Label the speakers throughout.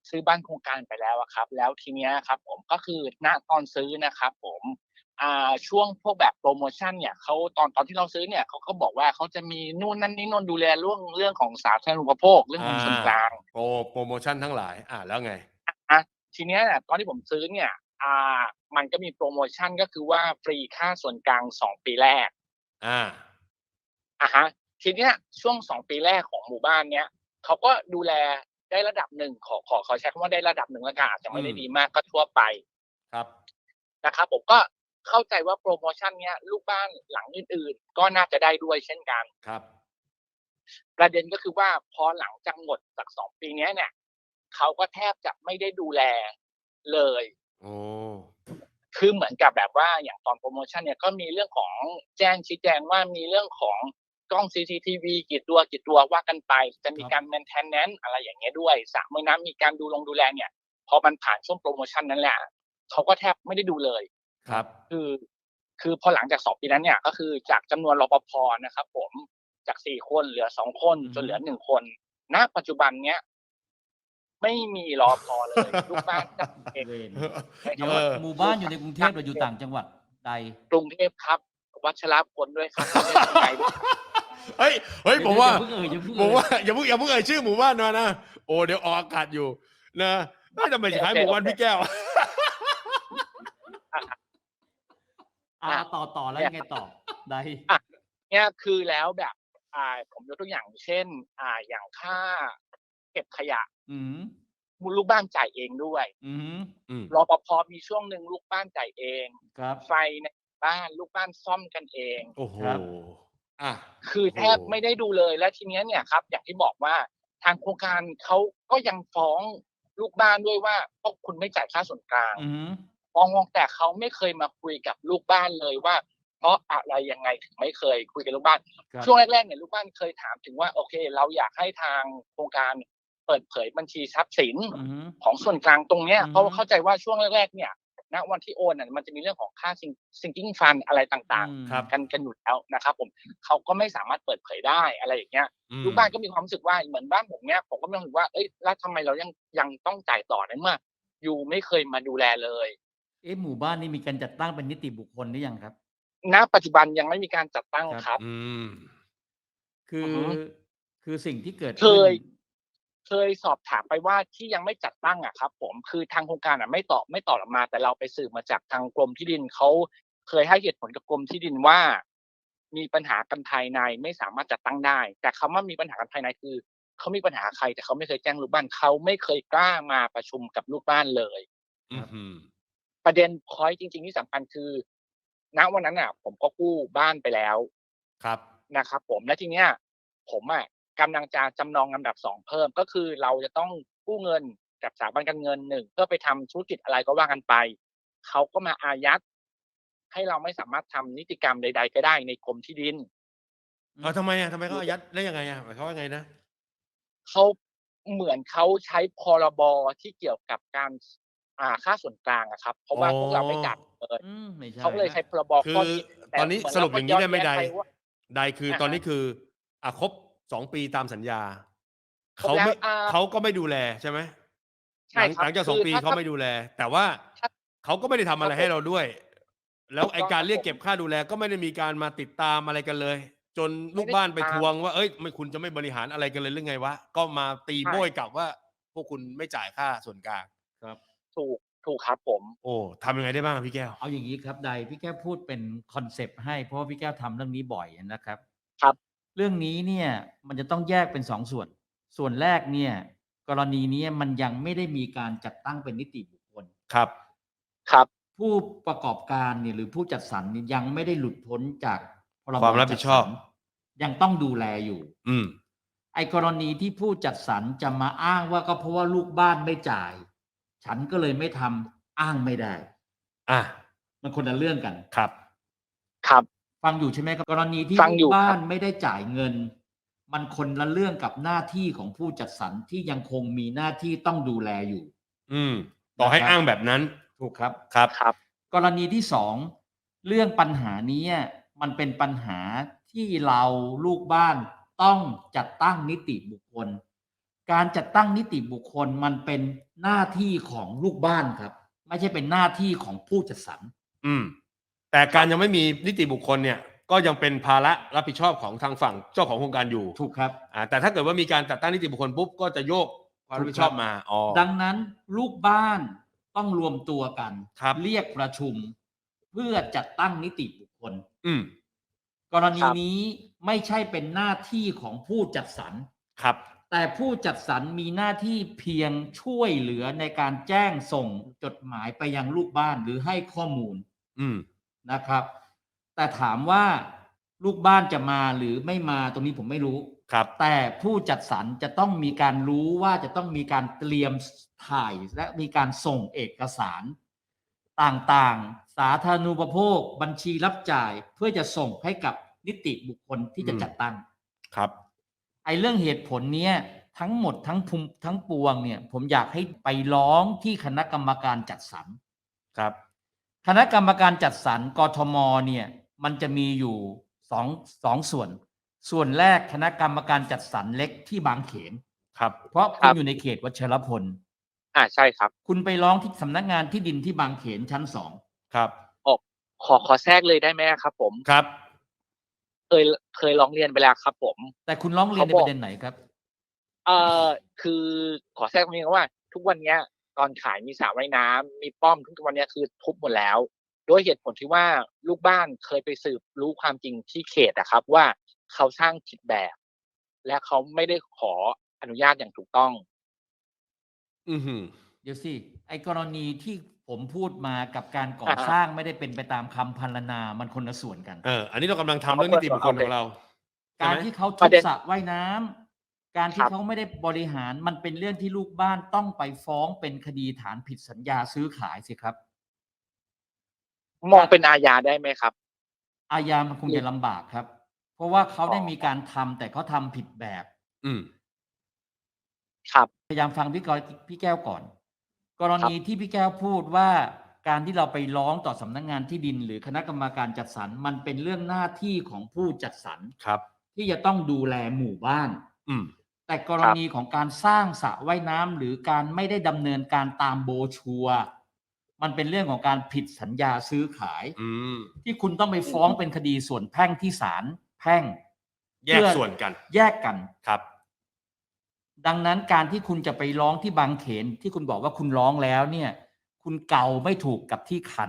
Speaker 1: ซื้อบ้านโครงการไปแล้วอะครับแล้วทีเนี้ยครับผมก็คือณตอนซื้อนะครับผมช่วงพวกแบบโพรโมชันเนี่ยเขาตอนที่เราซื้อเนี่ยเขาก็บอกว่าเขาจะมีนู่นนั่นนี่นู่นดูแลเรื่องของสาธารณูปโภคเรื่อง
Speaker 2: อา
Speaker 1: ของส่วนกลาง
Speaker 2: โพรโมชันทั้งหลายแล้วไง
Speaker 1: อะทีเนี้ยน่ะตอนที่ผมซื้อเนี่ยอ่มันก็มีโพรโมชันก็คือว่าฟรีค่าส่วนกลาง2 ปีแรก
Speaker 2: อา
Speaker 1: อะฮะทีเนี้ยช่วง2 ปีแรกของหมู่บ้านเนี้ยเขาก็ดูแลได้ระดับหนึ่งขอใช้คำว่าได้ระดับหนึ่งแล้วกันอาจจะไม่
Speaker 2: อืม
Speaker 1: ได้ดีมากก็ทั่วไป
Speaker 2: ครับ
Speaker 1: นะครับผมก็เข้าใจว่าโพรโมชันเนี้ยลูกบ้านหลังอื่นๆก็น่าจะได้ด้วยเช่นกัน
Speaker 2: ครับ
Speaker 1: ประเด็นก็คือว่าพอหลังจากหมดจาก2 ปีเนี้ยเนี่ยเขาก็แทบจะไม่ได้ดูแลเลย
Speaker 2: อ๋อ
Speaker 1: คือเหมือนกับแบบว่าอย่างตอนโพรโมชันเนี่ยก็มีเรื่องของชี้แจงว่ามีเรื่องของกล้อง CCTV กี่ตัวว่ากันไปจะ
Speaker 2: ครับ
Speaker 1: มีการ maintenance อะไรอย่างเงี้ยด้วยสระว่ายน้ำมีการดูแลเนี่ยพอมันผ่านช่วงโพรโมชันนั้นแหละเขาก็แทบไม่ได้ดูเลย
Speaker 2: ครับ
Speaker 1: คือคือพอหลังจาก2 ปีนั้นเนี่ยก็คือจากจำนวนรปภนะครับผมจาก4คนเหลือ2คน
Speaker 2: อือฮึ
Speaker 1: จนเหลือ1คนณปัจจุบันเนี้ยไม่มีรปภเลยลูกบ้านจัดเอง
Speaker 2: เออ
Speaker 3: เวร
Speaker 1: ใช้
Speaker 3: เดี๋ยว
Speaker 1: คำว่า
Speaker 3: หมู่บ้านอยู่ใน
Speaker 1: ลูกบ้าน
Speaker 3: กรุงเทพหรืออยู่
Speaker 1: จัดเอง
Speaker 3: ต่างจังหวัดใด
Speaker 1: กรุงเทพครับวัชรพลด้วยครับไม่ใช่ข้างในด้วย
Speaker 2: เฮ้ยเฮ้ย
Speaker 3: เดี๋ยว
Speaker 2: ผมว่า
Speaker 3: อย่าเพิ่งเอ่ยอย่าเพิ่ง
Speaker 2: ผม
Speaker 3: เอ่ย
Speaker 2: ว่าอย่าเพิ่งเอ่ยชื่อหมู่บ้านมานะโอ้เดี๋ยวออกอากาศอยู่นะเฮ้ยทำไม
Speaker 1: โอ
Speaker 2: คล้ายหมู่บ้านพี่
Speaker 1: เค
Speaker 2: แก้ว
Speaker 1: อะ
Speaker 3: อา
Speaker 1: อะ
Speaker 3: ต่อแล้ว
Speaker 1: เนี่ยครับ
Speaker 3: ยังไงต่อใด
Speaker 1: อะเนี่ยคือแล้วแบบผมยกตัวอย่างเช่นอย่างค่าเก็บขยะ
Speaker 3: อือฮึ
Speaker 1: ลูกบ้านจ่ายเองด้วย
Speaker 3: อือฮึ
Speaker 2: อืม
Speaker 1: รปภมีช่วงหนึ่งลูกบ้านจ่ายเอง
Speaker 3: ครับ
Speaker 1: ไฟในบ้านลูกบ้านซ่อมกันเอง
Speaker 2: โอ้โฮ
Speaker 3: ครับ
Speaker 2: อะ
Speaker 1: คือ
Speaker 2: โอ้โฮ
Speaker 1: แทบไม่ได้ดูเลยแล้วทีเนี้ยเนี่ยครับอย่างที่บอกว่าทางโครงการเขาก็ยังฟ้องลูกบ้านด้วยว่าพวกคุณไม่จ่ายค่าส่วนกลาง
Speaker 3: อือฮึ
Speaker 1: ฟ้องแต่เขาไม่เคยมาคุยกับลูกบ้านเลยว่าเพราะอะไรยังไงถึงไม่เคยคุยกับลูกบ้าน
Speaker 3: ครับ
Speaker 1: ช่วงแรกๆเนี่ยลูกบ้านเคยถามถึงว่าโอเคเราอยากให้ทางโครงการเปิดเผยบัญชีทรัพย์สิน
Speaker 3: อือฮึ
Speaker 1: ของส่วนกลางตรงเนี้ย
Speaker 3: อือฮึ
Speaker 1: เพราะว่าเข้าใจว่าช่วงแรกๆเนี่ย ณวันที่โอนมันจะมีเรื่องของค่าsinking fund อะไรต่าง
Speaker 3: อืม
Speaker 2: ครับ
Speaker 1: ๆกันอยู่แล้วนะครับผมเขาก็ไม่สามารถเปิดเผยได้อะไรอย่างเงี้ย
Speaker 2: อืม
Speaker 1: ลูกบ้านก็มีความรู้สึกว่าเหมือนบ้านผมเนี่ยผมก็มีความรู้สึกว่าเฮ้ยแล้วทำไมเรายังต้องจ่ายต่อในเมื่อยูไม่เคยมาดูแลเลย
Speaker 3: เอ๊ะหมู่บ้านนี้มีการจัดตั้งเป็นนิติบุคคลหรือยังครับ
Speaker 1: ณปัจจุบันยังไม่มีการจัดตั้ง
Speaker 3: ครับ
Speaker 1: ครับ
Speaker 2: อืม
Speaker 3: คือ
Speaker 1: อือฮึ
Speaker 3: คือสิ่งที่เกิด
Speaker 1: เค
Speaker 3: ขึ้น
Speaker 1: ยเคยสอบถามไปว่าที่ยังไม่จัดตั้งอะครับผมคือทางโครงการไม่ตอบเรามาแต่เราไปสืบมาจากทางกรมที่ดินเขาเคยให้เหตุผลกับกรมที่ดินว่ามีปัญหากันภายในไม่สามารถจัดตั้งได้แต่คำว่ามีปัญหากันภายในคือเขามีปัญหาใครแต่เขาไม่เคยแจ้งลูกบ้านเขาไม่เคยกล้ามาประชุมกับลูกบ้านเลย
Speaker 3: ครับ
Speaker 2: อื้อฮือ
Speaker 1: ประเด็นพอยนต์จริงๆที่สำคัญคือณวันนั้นน่ะผมก็กู้บ้านไปแล้ว
Speaker 2: ครับ
Speaker 1: นะครับผมแล้วทีเนี้ยผมอะกำลังจะจำนองลำดับ2เพิ่มก็คือเราจะต้องกู้เงินกับสถาบันการเงิน1เพื่อไปทำธุรกิจอะไรก็ว่ากันไปเขาก็มาอายัดให้เราไม่สามารถทำนิติกรรมใดๆก็ได้ในกรมที่ดิน
Speaker 3: อืม
Speaker 2: ทำไมอะทำไมเขาอายัดได้ยังไงอะหมายความว่าไงนะ
Speaker 1: เขาเหมือนเขาใช้พรบที่เกี่ยวกับการค่าส่วนกลางอะครับเพราะ
Speaker 2: อ๋
Speaker 1: ว่าพวกเราไม่จ่าย
Speaker 2: อ
Speaker 1: เลย
Speaker 3: ไม่ใช่
Speaker 1: เขาก็เลย
Speaker 3: แล้ว
Speaker 1: ใช้พรบ
Speaker 2: คือ
Speaker 1: ข้อนี้แต่
Speaker 2: ตอนนี้
Speaker 1: เหมือน
Speaker 2: สรุปอย่างงี้
Speaker 1: เราก็ย้อน
Speaker 2: ได้ไหมใด
Speaker 1: แย้งไปว่า
Speaker 2: ใดคือ
Speaker 1: อะฮะ
Speaker 2: ตอนนี้คือครบ2ปีตามสัญญา
Speaker 1: ครบแล้ว
Speaker 2: เขาไม่เขาก็ไม่ดูแลใช่ไหมห
Speaker 1: ใช่ครับ
Speaker 2: ลังจาก2ปี
Speaker 1: คือถ้าถ้า
Speaker 2: เขาไม่ดูแลแต่ว่า
Speaker 1: ถ้า
Speaker 2: เขาก็ไม่ได้ทำอะไร
Speaker 1: ครับผม
Speaker 2: ให้เราด้วยแล้ว
Speaker 1: ถูก
Speaker 2: ไอ้การเรียก
Speaker 1: ต้องครับผม
Speaker 2: เก็บค่าดูแลก็ไม่ได้มีการมาติดตามอะไรกันเลยจนลู
Speaker 1: ไม่ได้
Speaker 2: กบ้านไปท
Speaker 1: ติดตาม
Speaker 2: วงว่าเฮ้ยไม่คุณจะไม่บริหารอะไรกันเลยหรือไงวะก็มาตี
Speaker 1: ใช่
Speaker 2: โบ้ยกลับว่าพวกคุณไม่จ่ายค่าส่วนกลาง
Speaker 3: ครับ
Speaker 1: ถูกถูกครับผม
Speaker 2: โอ้ทำยังไงได้บ้างอะพี่แก้ว
Speaker 3: เอาอย่างงี้ครับใดพี่แก้วพูดเป็นคอนเซปต์ให้เพราะว่าพี่แก้วทำเรื่องนี้บ่อยนะครับ
Speaker 1: ครับ
Speaker 3: เรื่องนี้เนี่ยมันจะต้องแยกเป็น2ส่วน ส่วนแรกเนี่ยกรณีนี้มันยังไม่ได้มีการจัดตั้งเป็นนิติบุคคล
Speaker 2: ครับ
Speaker 1: ครับ
Speaker 3: ผู้ประกอบการเนี่ยหรือผู้จัดสรรเนี่ยยังไม่ได้หลุดพ้นจากพรบ
Speaker 2: ความรับผิดชอบ
Speaker 3: จัดสรรยังต้องดูแลอยู่
Speaker 2: อืม
Speaker 3: ไอ้กรณีที่ผู้จัดสรรจะมาอ้างว่าก็เพราะว่าลูกบ้านไม่จ่ายฉันก็เลยไม่ทำอ้างไม่ได้
Speaker 2: อา
Speaker 3: มันคนละเรื่องกัน
Speaker 2: ครับ
Speaker 1: ครับ
Speaker 3: ฟังอยู่ใช่ไหมครับกรณีที่
Speaker 1: ฟัง
Speaker 3: ลูก
Speaker 1: อยู่ครับ
Speaker 3: บ้านไม่ได้จ่ายเงินมันคนละเรื่องกับหน้าที่ของผู้จัดสรรที่ยังคงมีหน้าที่ต้องดูแลอยู่
Speaker 2: อืมต่อให้
Speaker 3: นะครับ
Speaker 2: อ้างแบบนั้น
Speaker 3: ถูกครับ
Speaker 2: ครับ
Speaker 1: ครับ
Speaker 3: กรณีที่2เรื่องปัญหานี้มันเป็นปัญหาที่เราลูกบ้านต้องจัดตั้งนิติบุคคลการจัดตั้งนิติบุคคลมันเป็นหน้าที่ของลูกบ้านครับ ไม่ใช่เป็นหน้าที่ของผู้จัดสรร
Speaker 2: แต่การยังไม่มีนิติบุคคลเนี่ยก็ยังเป็นภาระรับผิดชอบของทางฝั่งเจ้าของโครงการอยู่
Speaker 3: ถูกครับ
Speaker 2: แต่ถ้าเกิดว่ามีการจัดตั้งนิติบุคคลปุ๊บก็จะโยกความรับผิดชอบมา
Speaker 3: ดังนั้นลูกบ้านต้องรวมตัวกัน เรียกประชุมเพื่อจัดตั้งนิติบุคคลกรณีนี้ไม่ใช่เป็นหน้าที่ของผู้จัดสรร
Speaker 2: ครับ
Speaker 3: แต่ผู้จัดสรรมีหน้าที่เพียงช่วยเหลือในการแจ้งส่งจดหมายไปยังลูกบ้านหรือให้ข้อมูลนะครับแต่ถามว่าลูกบ้านจะมาหรือไม่มาตรงนี้ผมไม่รู้
Speaker 2: ครับ
Speaker 3: แต่ผู้จัดสรรจะต้องมีการรู้ว่าจะต้องมีการเตรียมถ่ายและมีการส่งเอกสารต่างๆสาธารณูปโภคบัญชีรับจ่ายเพื่อจะส่งให้กับนิติบุคคลที่จะจัดตั้ง
Speaker 2: ครับ
Speaker 3: ไอ้เรื่องเหตุผลเนี้ยทั้งหมดทั้งปวงเนี่ยผมอยากให้ไปร้องที่คณะกรรมการจัดสรร
Speaker 2: ครับ
Speaker 3: คณะกรรมการจัดสรรกทมเนี่ยมันจะมีอยู่สองส่วนแรกคณะกรรมการจัดสรรเล็กที่บางเขน
Speaker 2: ครับ
Speaker 3: เพราะคุณอยู่ในเขตวัชรพล
Speaker 1: ใช่ครับ
Speaker 3: คุณไปร้องที่สำนักงานที่ดินที่บางเขนชั้น2
Speaker 2: ครับ
Speaker 1: ขอแทรกเลยได้ไหมครับผม
Speaker 2: ครับ
Speaker 1: เคยร้องเรียนไปแล้วครับผม
Speaker 3: แต่คุณร้องเรียนในประเด็นไหนครับ
Speaker 1: คือขอแทรกตรงนี้ว่าทุกวันนี้ตอนขายมีสระว่ายน้ำมีป้อมทุกวันนี้คือทุบหมดแล้วด้วยเหตุผลที่ว่าลูกบ้านเคยไปสืบรู้ความจริงที่เขตนะครับว่าเขาสร้างผิดแบบและเขาไม่ได้ขออนุญาตอย่างถูกต้อง
Speaker 3: เดี๋ยวสิไอ้กรณีที่ผมพูดมากับการก่อสร้างไม่ได้เป็นไปตามคำพรรณนามันคนละส่วนกัน
Speaker 2: อันนี้เรากำลังทำเรื่องนิติบุคคลของเรา
Speaker 3: การที่เขาทุบสระว่ายน้ำการที่เขาไม่ได้บริหารมันเป็นเรื่องที่ลูกบ้านต้องไปฟ้องเป็นคดีฐานผิดสัญญาซื้อขายสิครับ
Speaker 1: มองเป็นอาญาได้ไหมครับ
Speaker 3: อาญามันคงจะลำบากครับเพราะว่าเขาได้มีการทำแต่เขาทำผิดแบบ
Speaker 1: ครับ
Speaker 3: พยายามฟังพี่แก้วก่อนกรณีที่พี่แก้วพูดว่าการที่เราไปร้องต่อสำนักงานที่ดินหรือคณะกรรมการจัดสรรมันเป็นเรื่องหน้าที่ของผู้จัดสรรที่จะต้องดูแลหมู่บ้านแต่กรณีของการสร้างสระว่ายน้ำหรือการไม่ได้ดำเนินการตามโบชัวมันเป็นเรื่องของการผิดสัญญาซื้อขายที่คุณต้องไปฟ้องเป็นคดีส่วนแพ่งที่ศาลแพ่ง
Speaker 2: แยกส่วนกัน
Speaker 3: แยกกัน
Speaker 2: ครับ
Speaker 3: ดังนั้นการที่คุณจะไปร้องที่บางเขนที่คุณบอกว่าคุณร้องแล้วเนี่ยคุณเก่าไม่ถูกกับที่คัน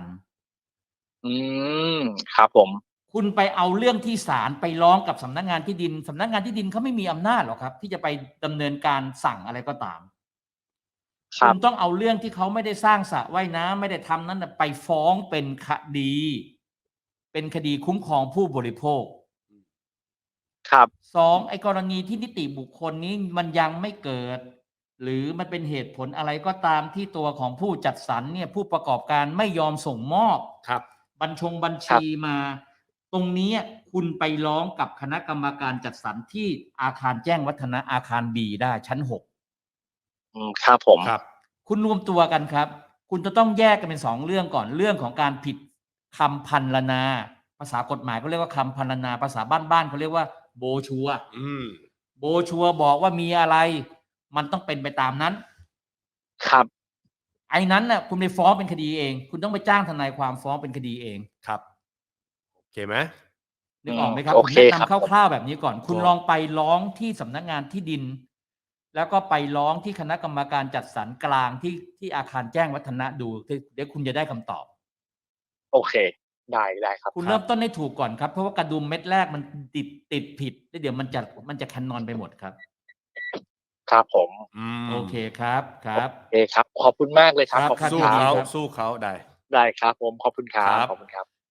Speaker 1: ครับผม
Speaker 3: คุณไปเอาเรื่องที่ศาลไปร้องกับสำนักงานที่ดินสำนักงานที่ดินเขาไม่มีอำนาจหรอกครับที่จะไปดำเนินการสั่งอะไรก็ตามคุณต้องเอาเรื่องที่เขาไม่ได้สร้างสระว่ายน้ำไม่ได้ทำนั้นไปฟ้องเป็นคดีคุ้มครองผู้บริโภค
Speaker 1: ครับ
Speaker 3: ไอ้กรณีที่นิติบุคคลนี้มันยังไม่เกิดหรือมันเป็นเหตุผลอะไรก็ตามที่ตัวของผู้จัดสรรเนี่ยผู้ประกอบการไม่ยอมส่งมอบบัญชีมาตรงนี้คุณไปร้องกับคณะกรรมการจัดสรรที่อาคารแจ้งวัฒนะอาคาร B ได้ชั้น6
Speaker 1: ครับผม
Speaker 2: ครับ
Speaker 3: คุณรวมตัวกันครับคุณจะต้องแยกกันเป็น2เรื่องก่อนเรื่องของการผิดคำพรรณนาภาษากฎหมายเขาเรียกว่าคำพรรณนาภาษาบ้านๆเขาเรียกว่าโบชัวโบชัวบอกว่ามีอะไรมันต้องเป็นไปตามนั้น
Speaker 1: ครับ
Speaker 3: ไอ้นั้นน่ะคุณไปฟ้องเป็นคดีเองคุณต้องไปจ้างทนายความฟ้องเป็นคดีเอง
Speaker 2: ครับโอเคไหม
Speaker 3: นึกออกไหมครับผมแนะนำคร่าวๆแบบนี้ก่อนคุณลองไปร้องที่สำนักงานที่ดินแล้วก็ไปร้องที่คณะกรรมการจัดสรรกลางที่อาคารแจ้งวัฒนะดูเดี๋ยวคุณจะได้คำตอบ
Speaker 1: โอเคได้ครับ
Speaker 3: คุณเริ่มต้นให้ถูกก่อนครับเพราะว่ากระดุมเม็ดแรกมันติดผิดแล้วเดี๋ยวมันจะแคนนอนไปหมดครับ
Speaker 1: ครับผม
Speaker 3: โอเคครับ
Speaker 1: โอเคครับขอบคุณมากเลยครับ
Speaker 2: สู้เขาได้
Speaker 1: ครับผมขอบคุณครับ